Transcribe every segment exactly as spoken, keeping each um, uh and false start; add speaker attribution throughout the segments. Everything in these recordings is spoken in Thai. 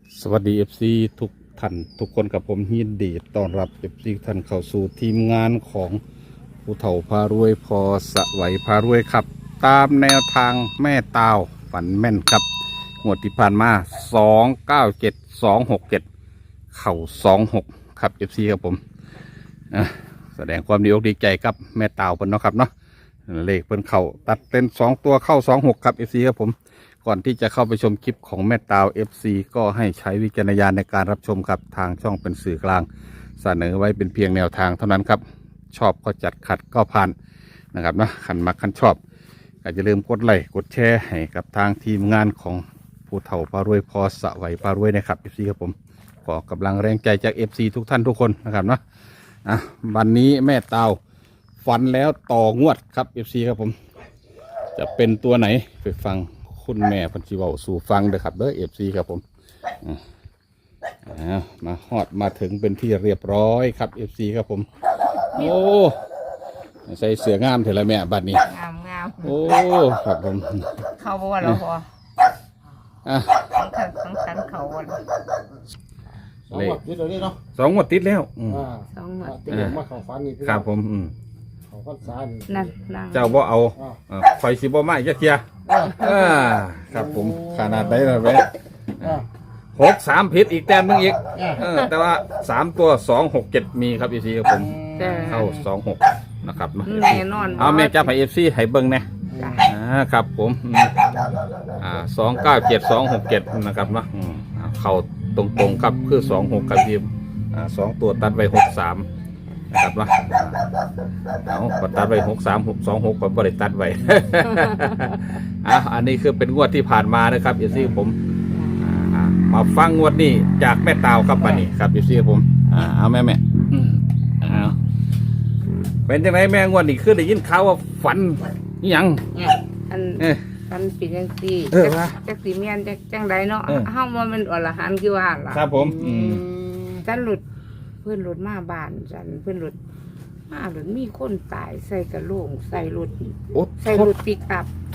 Speaker 1: สวัสดี เอฟ ซี ทุกท่านทุกคนกับผมยินดีต้อนรับ เอฟ ซี ท่านเข้าสู่ทีมงานของผู้เฒ่าพารวยพอสวัยพารวยครับ ตามแนวทางแม่ตาวฝันแม่นครับงวดที่ผ่านมาสองเก้าเจ็ดสองหกเจ็ดเข่าสองหกครับ เอฟ ซี ครับผมอ่ะแสดงความดีอกดีใจกับแม่ตาวเพิ่นเนาะครับเนาะเลขเพิ่นเข่าตัดเป็นสองตัวเข้าสองหกครับ เอฟ ซี ครับผมก่อนที่จะเข้าไปชมคลิปของแม่ตาว เอฟ ซี ก็ให้ใช้วิจารณญาณในการรับชมครับทางช่องเป็นสื่อกลางเสนอไว้เป็นเพียงแนวทางเท่านั้นครับชอบก็จัดขัดก็ผ่านนะครับนะขันมักขันชอบก็จะลืมกดไลค์กดแชร์ให้กับทางทีมงานของผู้เฒ่าพารวยพอสวัยพารวยนะครับ เอฟ ซี ครับผมขอกำลังแรงใจจาก เอฟ ซี ทุกท่านทุกคนนะครับนะอ่ะวันนี้แม่ตาวฝันแล้วต่องวดครับ เอฟ ซี ครับผมจะเป็นตัวไหนไปฟังคุณแม่พันธิเวาสู่ฟังเด้อครับเด้อ เอฟ ซี ครับผมอ่ามาฮอดมาถึงเป็นที่เรียบร้อยครับ เอฟ ซี ครับผมโอ้ใส่เสื้องามเถอะละแม่บัดนี้
Speaker 2: งามงาม
Speaker 1: โอ้ครับผม
Speaker 2: เขาบอกว่าเราพอ
Speaker 1: อ่ะ
Speaker 2: ทั้งขันทั้งขันเขาวัน
Speaker 3: สองหมดติดเลยเนาะ
Speaker 1: สองงวดติดแล้วอืม
Speaker 2: สองหมด
Speaker 3: ติดมาเขาฟันนี่
Speaker 1: ครับผมอืม
Speaker 3: เขาฟันซาน
Speaker 2: นั่นนั่ง
Speaker 1: เจ้าบ่เอาอ่าคอยสิบ่มาอีกจักเทียอ่าครับผมขนาดไหนล่ะแม่หกสามผิดอีกแต้มนึงอีกเออแต่ว่าสามตัวสองหกเจ็ดมีครับ เอฟ ซี ครับผมเข้าสองหกนะครับ
Speaker 2: แน่นอน
Speaker 1: เอาแม่จับให้ เอฟ ซี ให้เบิ่งแน่อ่าครับผมอ่าสองเก้าเจ็ดสองหกเจ็ดนะครับเนาะอืมเข้าตรงๆครับคือสองหกกับทีมอ่าสองตัวตัดไว้หกสามนะครับเนาะเอาก็ตัดไว้หกสามหกสองหกก็บริตัดไว้ อ่ะอันนี้คือเป็นงวดที่ผ่านมานะครับ เอฟ ซี ผมอ่ามาฟังงวดนี้จากแม่ตาวครับปันนี้ครับ เอฟ ซี ผมอ่าเอาแม่แม่เอาเป็นจังไรแม่งวดนี้คือได้ยินข่าวว่าฝันนี่ยัง
Speaker 2: อัน
Speaker 1: เอ๊ะ
Speaker 2: อันเป็นจังซี่
Speaker 1: เออว่า
Speaker 2: จักสีเมียนจักจังใดเนาะ
Speaker 1: เออ
Speaker 2: เฮาว่ามันอรหันต์คือว่าล่ะ
Speaker 1: ครับผมอืม
Speaker 2: ฉันหลุดเพื่อนหลุดมาบ้านฉันเพื่อนหลุดมาหลุดมีคนตายใส่กระโหลกใส่รถ
Speaker 1: โอ้
Speaker 2: ใส่รถปิกอัพ
Speaker 1: โถ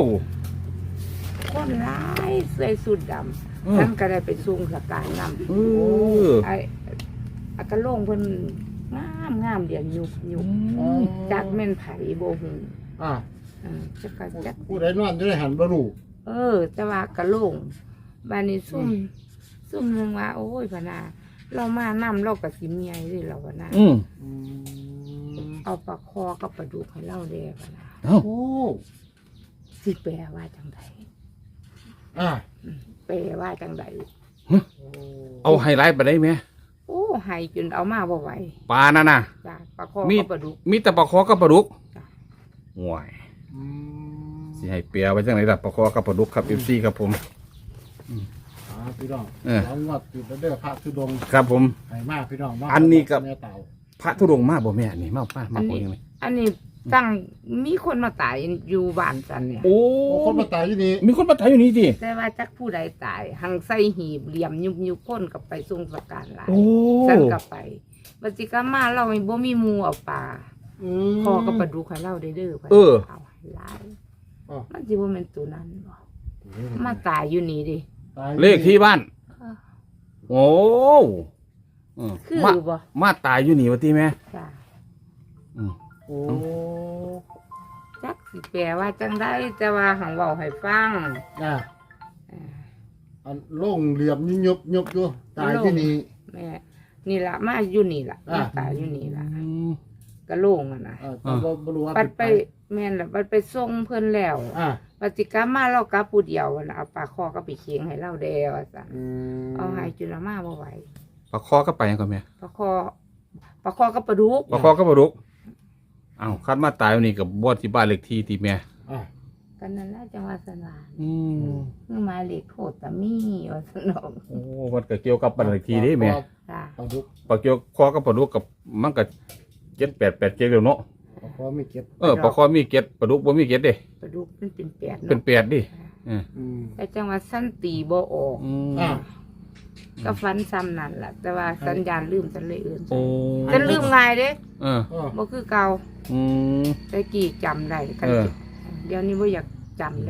Speaker 2: คนร้ายใส่สุดด
Speaker 1: เออ
Speaker 2: ำฉันก็ได้ไปซุ่มสการนำ
Speaker 1: เออ
Speaker 2: ไอ้อากระโลงเพิ่นงามงามเดียวยุบยุบ
Speaker 1: อืม
Speaker 2: จักแม่นไผบ่ฮู้
Speaker 3: อ่า
Speaker 2: อ่าจักก็จัก
Speaker 3: ผู้ใดนอนจะได้หันบรู
Speaker 2: เออ แต่ว่ากระโลงบ้านนี้ซุ่มซุ่มหนึงว่า โอ้ยพะนาเรามานำเราก็สิเมียเด้เราพะนา
Speaker 1: อืม
Speaker 2: เอาปลาคอกับปลาดุกให้เราแด้พะนา
Speaker 1: เอ้า
Speaker 3: โอ้
Speaker 2: สิแปลว่าจังได
Speaker 3: อ่า
Speaker 2: แปลว่าจังได
Speaker 1: เอาไฮไลท์ไปได้ไหม
Speaker 2: โอ้ให้จนเอามาบ่ไหว
Speaker 1: ปลานั่นน่ะ
Speaker 2: จ้ะปลาคอ
Speaker 1: มี
Speaker 2: กับปลาดุก
Speaker 1: มีแต่ปลาคอกับปลาดุก
Speaker 2: จ้ะ
Speaker 1: ห่วยสิให้เปียไว้จังไหนล่ะปลาคอกับปลาดุกครับ เอฟ ซี ครับผม
Speaker 3: อ่าพี่น้อง
Speaker 1: เออ
Speaker 3: สองงวดติดแล้วเด้อพระธุดงค์
Speaker 1: ครับผม
Speaker 3: ให้มากพี่น้องมาก
Speaker 1: อันนี้ก็
Speaker 3: แม่เต่า
Speaker 1: พระธุดงค์มาบ่แม่นี่มามามา
Speaker 2: อัน
Speaker 1: บ่
Speaker 2: นี้
Speaker 1: ยังไง
Speaker 2: อันนี้ตั้งมีคนมาตายอยู่บ้านฉันเนี่ย
Speaker 1: โอ้
Speaker 3: โอ้คนมาตายที่นี่
Speaker 1: มีคนมาถ่ายอยู่นี่ดิ
Speaker 2: แต่ว่าจักผู้ใดตาย หังใส่หีบเหลี่ยมยุบยุบพ่นกับไปทรงสการหลาย
Speaker 1: โอ้
Speaker 2: ฉันกลับไปบัดสิกามาเราไม่บ่มีหมูเอาปลาพอกับปลาดุกให้เราได้เด้อ
Speaker 1: เออ
Speaker 2: เอาหลาย
Speaker 3: อ๋อ
Speaker 2: มันสิบ่แม่นตัวนั้นบ่มาตายอยู่นี่ดิ
Speaker 3: ตาย
Speaker 1: เลขที่บ้าน โอ้เออ
Speaker 2: คือ
Speaker 1: มา
Speaker 2: บ่
Speaker 1: มาตายอยู่นี่วะที่แม่
Speaker 2: จ้ะ
Speaker 1: อืม
Speaker 3: โอ้
Speaker 2: จักสิแปลว่าจังไดแต่ว่าหังเว้าให้ฟัง
Speaker 3: อ่าอันโล่งเหลี่ยมยุบยุบยุบอยู่ตายที่นี่
Speaker 2: แม่นี่ล่ะมาอยู่นี่ล่ะ
Speaker 3: อ่ะ
Speaker 2: มาตายอยู่นี่ล่ะ
Speaker 1: อืม
Speaker 2: กะโล่งอ่ะนะ
Speaker 3: อ่าแต่ว่าบรูว่า
Speaker 2: ปัดไปแม่นล่ะปัดไปส่งเพิ่นแล้ว
Speaker 3: อ่า
Speaker 2: ปฏิกรรมมาเรากลับผู้เดียวนะเอาปลาคอก็ไปเคียงให้เราแดวอ่ะสั่น
Speaker 3: อืม
Speaker 2: เอาให้จุลมาบ่ไหว
Speaker 1: ปลาคอก็ไปยังก่อนแม่
Speaker 2: ปลาคอปลาคอก็ปลาดุก
Speaker 1: ปลาคอก็ปลาดุกอ้าวคัดมาตายวันนี้กับบวชที่บ้านเลขที่ที่แม่
Speaker 3: อ่า
Speaker 2: กันนั่นแหละจังหวัดสนาน
Speaker 1: อืม
Speaker 2: เมื่อมาเลขโคตรตะมีว่าสนอง
Speaker 1: โอ้มันก็เกี่ยวกับบ้านเลขที่นี่แม่
Speaker 2: จ้า
Speaker 3: ปลาดุก
Speaker 1: ปลาเกี่ยวคอกับปลาดุกกับมันก็เจ็ดแปดแปดเจ็ดเดียวเนาะ
Speaker 3: ปลาคอไม่เก็บ
Speaker 1: เออปลาคอมีเจ็ดปลาดุกบ่มีเจ็ดเด้
Speaker 2: ปลาดุกมันเป็นแปด
Speaker 1: เป็น
Speaker 2: เนาะ
Speaker 1: แปดดิเออ
Speaker 3: อืม
Speaker 2: แต่จังหวัดสั้นตีบ่ออก
Speaker 1: อืม
Speaker 3: อ่า
Speaker 2: ก็ฟันซ้ำนั่นล่ะ แต่ว่าสัญญาณลืมสันเลยอื่น
Speaker 1: โอ้
Speaker 2: ฉันลืมง่ายเด้
Speaker 1: เออ
Speaker 3: เออ
Speaker 2: บ่คือเก่า
Speaker 1: อืม
Speaker 2: แต่กี่จำได้กัน
Speaker 1: เออ
Speaker 2: เดี๋ยวนี้บ่อยากจำแล้ว
Speaker 1: อ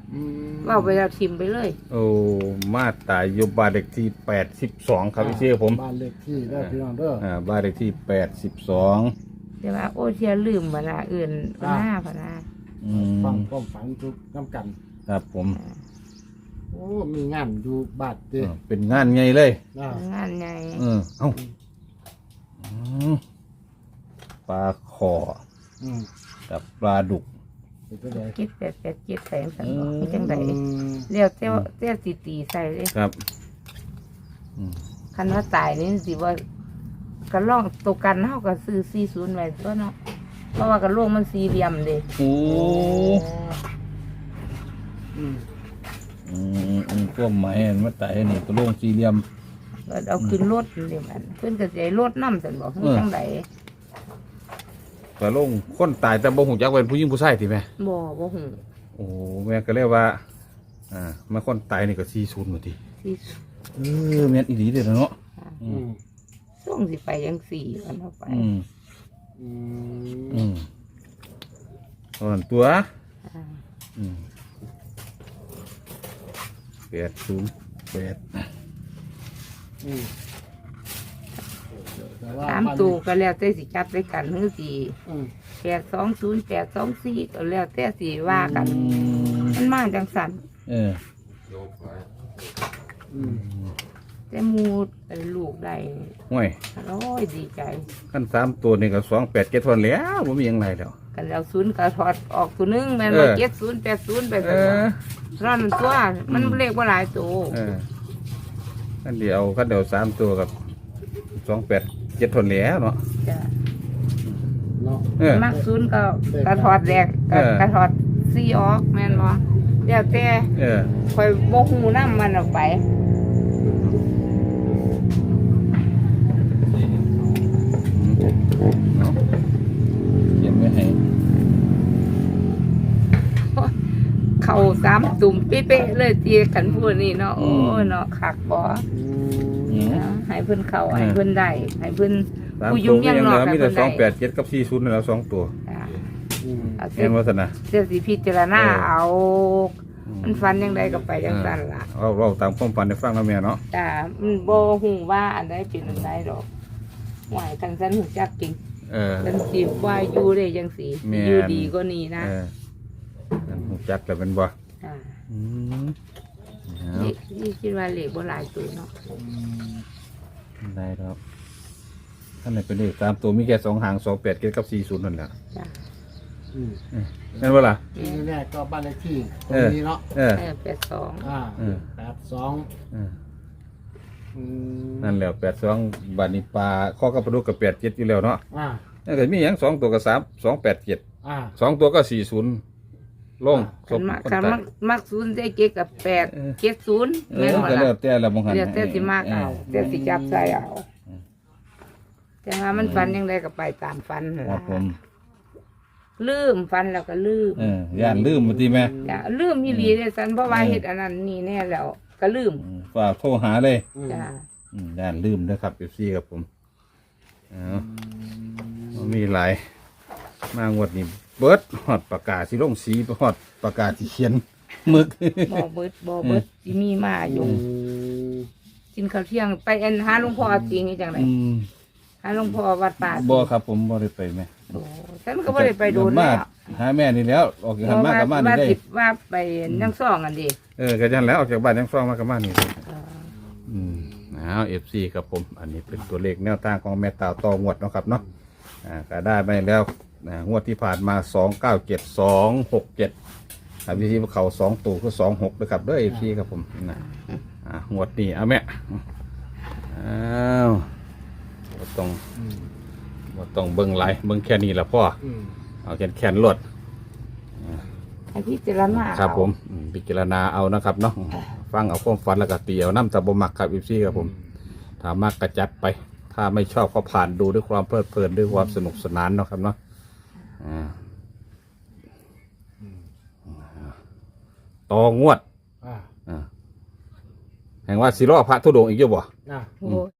Speaker 3: อืม
Speaker 2: เว้าไปแล้วทิมไปเลย
Speaker 1: โอ้มาตายอยู่บ้านเลขที่แปดสิบสองครับพี่เชื่อผม
Speaker 3: บ้านเลขที่ได้พี่น้องเด้อ
Speaker 1: อ่าบ้านเลขที่แปดสิบสอง
Speaker 2: แต่ว่าโอ้เทียลืมเวลาอื่นพะหน้าพะหน้า
Speaker 1: อื
Speaker 3: ฟัง
Speaker 1: ม
Speaker 3: ความฝันทุกน้ำกัน
Speaker 1: ครับผม
Speaker 3: โอ้มีงานอยู่บ้านเด้
Speaker 1: เออเป็นงานไงเลย
Speaker 3: อ่าง
Speaker 2: านใหญ่
Speaker 1: เออเอ้าอืมปลาขอ
Speaker 3: อืม
Speaker 1: กับปลาดุก
Speaker 3: เป็นจังได
Speaker 2: เจ็ดแปดแปดเจ็ดแสงสันบอกมีจังได
Speaker 3: อืม
Speaker 2: เรียวเจ้าเจ้าตีตีใส่เลย
Speaker 1: ครับอืม
Speaker 2: คันว่าตายนี่สิว่าก็ล่องตัวกันเฮาก็ซื้อสี่ศูนย์ไว้ตัวเนาะเพราะว่ากระโหลกมันสี่เหลี่ยมเด้
Speaker 1: โอ้
Speaker 3: อืม
Speaker 1: อืมอืมพวกไม้อันมาตายนี่ตัวโล่งสี่เหลี่ยม
Speaker 2: ก็เอาขึ้นรถนี่มันเพิ่นก็สิให้รถนำซั่นบอก
Speaker 1: เออ
Speaker 2: จังได
Speaker 1: ตัวโล่งคนตายแต่บ่หูจักว่าเป็นผู้หญิงผู้ชายติแม่
Speaker 2: บ่บ่ฮู้
Speaker 1: โอ้แม่ก็เรียกว่า อ่ามาคนตายนี่ก็สี่ศูนย์หมดที
Speaker 2: ที่
Speaker 1: เออแม่นอีหลีเด้อเนาะ
Speaker 3: อืม
Speaker 2: ส่งสิไปจังสี่กันเอาไป
Speaker 1: อืม
Speaker 3: อืม
Speaker 1: อืมตอนตัว
Speaker 2: อ่า
Speaker 1: อืมแปดศูนย์แปด
Speaker 3: อืมแต่ว่า
Speaker 2: สามตัวก็แล้วแต่สิจับด้วยกันหรือสิ
Speaker 3: อืม
Speaker 2: แปดสองศูนย์แปดสองสี่ก็แล้วแต่สิว่ากัน มันมาจังสัน
Speaker 1: เออ
Speaker 3: อืม
Speaker 2: แต่หมูเอ่อลูกได้
Speaker 1: ห่วย
Speaker 2: โอ้ยดีใจ
Speaker 1: ขั้นสามตัวนี่ก็สองแปดเจ็ดทวนแล้วบ่มีหยังไรแล้ว
Speaker 2: กันแล้วศูนย์ก็ถอดออกตัวหนึงแม่น
Speaker 1: เอ
Speaker 2: ว่า
Speaker 1: อ
Speaker 2: เจ็ดศูนย์แปดศูนย์ไป
Speaker 1: เอ
Speaker 2: ซั่น
Speaker 1: อ
Speaker 2: ว่านั่นตัวมัน
Speaker 1: อืม
Speaker 2: เลขว่าหลายตัว
Speaker 1: เออขั้นเดียวขั้นเดียวสามตัวกับสองแปดเจ็ดทวนแล้วเนาะ
Speaker 2: จ้ะ
Speaker 3: เนาะ
Speaker 1: เออ
Speaker 2: มักศูนย์ก็กระถอดแรกก็
Speaker 1: เออ
Speaker 2: กระถอดสี่ออกแม่นบ่แล้วแต่
Speaker 1: เออ
Speaker 2: คอยโมหูน้ำมันออกไป
Speaker 1: เอาเขียนไว้ให้
Speaker 2: เข่าสามตุ่มเป๊ะๆเลยตีกันพูดนี่เนาะโอ้ยเนาะขักบ่
Speaker 3: อืม
Speaker 1: อืม
Speaker 2: นะให้เพิ่นเข้า
Speaker 1: เออ
Speaker 2: ให้เพิ่นได้ให้เพิ่น
Speaker 1: สาม
Speaker 2: ผู้
Speaker 1: ตั
Speaker 2: ยุ่
Speaker 1: ว
Speaker 2: ง
Speaker 1: ก็
Speaker 2: ยัง
Speaker 1: ยัง
Speaker 2: น
Speaker 1: เห
Speaker 2: อก
Speaker 1: ลือ
Speaker 2: ให้
Speaker 1: มีแต่
Speaker 2: เพิ่น
Speaker 1: ส
Speaker 2: ได้
Speaker 1: องแปดเจ็ดกับสี่ศูนย์นั่นแหล้วสองตัว
Speaker 2: จ้ะ
Speaker 3: อืม
Speaker 2: เอา
Speaker 1: เห็นว่าสนะ
Speaker 2: เสียสิพิจารณา
Speaker 1: เออ
Speaker 2: เอา
Speaker 1: อืม
Speaker 2: มันฟันยังไงก็ไปจังซั่นล่ะ
Speaker 1: เอาเราตามความฝันในฟังแล้วแม่เนาะ
Speaker 2: จ้ะมันบ่ฮู้ว่าอันใดเป็นอันใดดอกหวายกันซั่นฮู้จักจริง
Speaker 1: เออ
Speaker 2: กันสิว่าอยู่ได้จังซี่
Speaker 1: แม่น
Speaker 2: อยู่ดีกว่านี้นะ
Speaker 1: เออนั่นหูจักแล้วเป็นบ่
Speaker 2: จ้ะ
Speaker 1: อืมเอา
Speaker 2: นี่นี่คิดว่าเลขบ่หลายตัวเนาะ
Speaker 1: ได้ครับท่านไหนเป็นเลขตามตัวมีแค่สองหางสองแปดเจ็ดกับสี่ศูนย์นั่นแหละ
Speaker 2: จ้ะ
Speaker 3: อืม
Speaker 1: นั่นว่าล่ะ
Speaker 3: นี่แน่ก็บ้านเลขที่ตร
Speaker 1: เอง อ
Speaker 3: นี้เนาะ
Speaker 1: เออ
Speaker 2: เออแปดสอง
Speaker 3: อ่า
Speaker 1: เออ
Speaker 3: แปดสอง
Speaker 1: เออ
Speaker 3: อืม
Speaker 1: นั่นแหละแปดสองบาทนี้ปลาข้อกับปลาดุกกับแปดเจ็ดอยู่แล้วเนาะ
Speaker 3: อ่า
Speaker 1: นั่นก็มีอย่างสองตัวกับสามสองแปดเจ็ด
Speaker 3: อ่า
Speaker 1: สองตัวก็สี่ศูนย์ลง
Speaker 2: คันมัก
Speaker 1: คน
Speaker 2: คัน
Speaker 1: ตาย
Speaker 2: มักมักศูนย์ได้เจ็ดกับแปด
Speaker 1: เออ
Speaker 2: เจ็ดศูนย์
Speaker 1: เอ
Speaker 2: แม่
Speaker 1: อน
Speaker 2: บ่
Speaker 1: ก็แล้ว
Speaker 2: ล่ะ
Speaker 1: แต่ละบางหัน
Speaker 2: เดี๋ยวแต่สิมากเอาแต่สิจับใส่เอาแต่ว่ามันฟันยังไงก็ไปตามฟันนั่น
Speaker 1: ครั
Speaker 2: ล่ะ
Speaker 1: บผม
Speaker 2: ลืมฟันแล้วก็ลืม
Speaker 1: เออย่านลืมมาทีแม่
Speaker 2: จ้ะลืมอีหลีเลยสันเพราะว่าเฮ็ดอันนั้นนี่แน่แล้วก็ลืม
Speaker 1: อืมฝากโทรหาเลย
Speaker 3: อืม
Speaker 2: จ้ะ
Speaker 1: อืมย่านลืมนะครับเอฟซีครับผมเอามีหลายมางวดนี้เบิดฮอดปากกาสิลงสีฮอดปากกาสิเขียนหมึก
Speaker 2: บ่เบิดบ่เบิดสิมีมาอยู่
Speaker 3: อืม
Speaker 2: กินข้าวเที่ยงไปอันหาหลวงพ่อจริงนี่จังได
Speaker 1: อืม
Speaker 2: หาหลวงพ่อวัดป่า
Speaker 1: บ่ครับผมบ่ได้ไปแม่
Speaker 2: โอ้ฉันก็บ่ได้ไปโดน
Speaker 1: มา
Speaker 2: แล้ว
Speaker 1: หาแม่นี่แล้ว ออกจากบ้านมากับบ้านนี่
Speaker 2: ว่า
Speaker 1: ได้
Speaker 2: สิว่าไปนั่งซ่องกันดิ
Speaker 1: เออก็ยันแล้วออกจากบ้านยังฟ้องมากับบ้านนี่
Speaker 2: เออ
Speaker 1: อืมเอาเอฟซีครับผม อันนี้เป็นตัวเลขแนวทางของแม่ตาวต่องวดเนาะครับเนาะอ่าก็ได้ไปแล้วอ่างวดที่ผ่านมาสองเก้าเจ็ดสองหกเจ็ดอ่าวิธีเขาสองตัวคือสองหกนะครับเด้วยเอฟซีครับผมนะอ่างวดนี้เอาแม่อ้าวบ่ต้อง
Speaker 3: อืม
Speaker 1: บ่ต้องเบิ่งไหลายเบิ่งแค่นี้ละพ่อ
Speaker 3: อืม
Speaker 1: เอาแขนแขนๆรวด
Speaker 2: ให้พิจารณา
Speaker 1: ครับ
Speaker 2: เอา
Speaker 1: ผมอืมพิจารณาเอานะครับเนาะฟังเอาความฝันแล้วก็ตีเอาน้ำตะบมักครับเอฟซีครับผม ถ้ามากกระจัดไป ถ้าไม่ชอบก็ผ่านดูด้วยความเพลิดเพลินด้วยความสนุกสนานเนาะครับเนาะอ่าต่องวด
Speaker 3: อ่า
Speaker 1: อ่าแห่งว่าสิรอพระธุดงค์อีกเยอะบ่
Speaker 3: อ่า
Speaker 2: โอ้